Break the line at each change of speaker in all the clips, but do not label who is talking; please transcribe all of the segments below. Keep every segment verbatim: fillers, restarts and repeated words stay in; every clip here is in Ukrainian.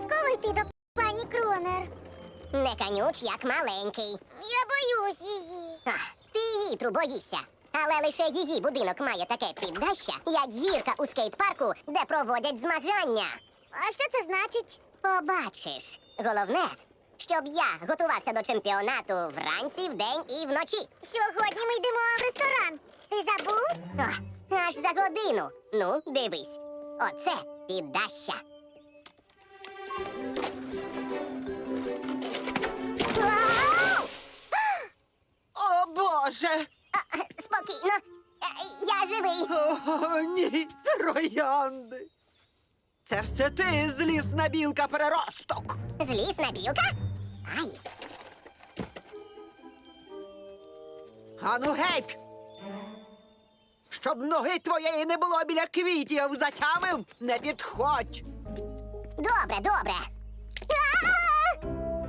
обов'язково йти до пані Кронер?
Не канюч, як маленький.
Я боюсь її.
Ах, ти вітру боїшся. Але лише її будинок має таке піддаща, як гірка у скейт-парку, де проводять змагання.
А що це значить?
Побачиш. Головне, щоб я готувався до чемпіонату вранці, вдень і вночі.
Сьогодні ми йдемо в ресторан. Ти забув?
О, аж за годину. Ну, дивись. Оце піддаща. Вау!
О, Боже!
А, е, Спокійно. Е, Я живий.
О, ні, троянди. Це все ти, злісна білка переросток.
Злісна білка? Ай.
Ану геть! Щоб ноги твоєї не було біля квітів, затямив, не підходь.
Добре, добре. А!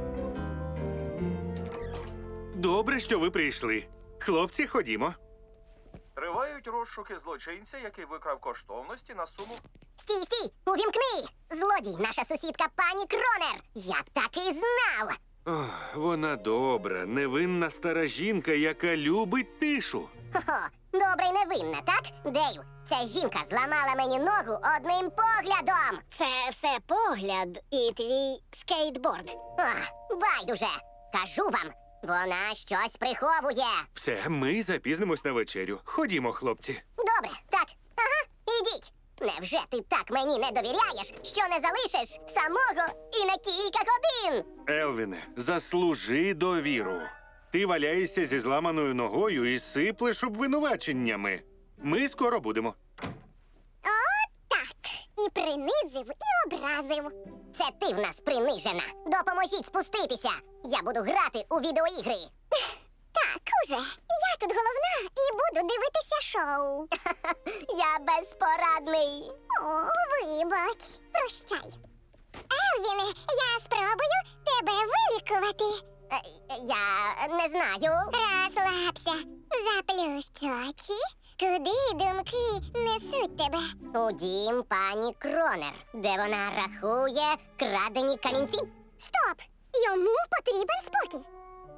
Добре, що ви прийшли. Хлопці, ходімо.
Тривають розшуки злочинця, який викрав коштовності на суму.
Стій, стій! Увімкни! Злодій, наша сусідка пані Кронер! Я так і знав!
Ох, вона добра, невинна стара жінка, яка любить тишу.
Хо-хо, добре й невинна, так? Дею, ця жінка зламала мені ногу одним поглядом! Це все погляд і твій скейтборд. Ах, байдуже! Кажу вам, вона щось приховує.
Все, ми запізнимось на вечерю. Ходімо, хлопці.
Добре, так, ага, ідіть. Невже ти так мені не довіряєш, що не залишиш самого і на кілька годин?
Елвіне, заслужи довіру. Ти валяєшся зі зламаною ногою і сиплеш обвинуваченнями. Ми скоро будемо.
Так, і принизив, і образив. Це ти в нас принижена. Допоможіть спуститися. Я буду грати у відеоігри. Так, уже. Я тут головна і буду дивитися шоу. Я безпорадний. О, вибач. Прощай. Елвіне, я спробую тебе вилікувати. Я не знаю. Розслабся. Заплющ очі. Куди думки несуть тебе? У дім пані Кронер, де вона рахує крадені камінці. Стоп! Йому потрібен спокій.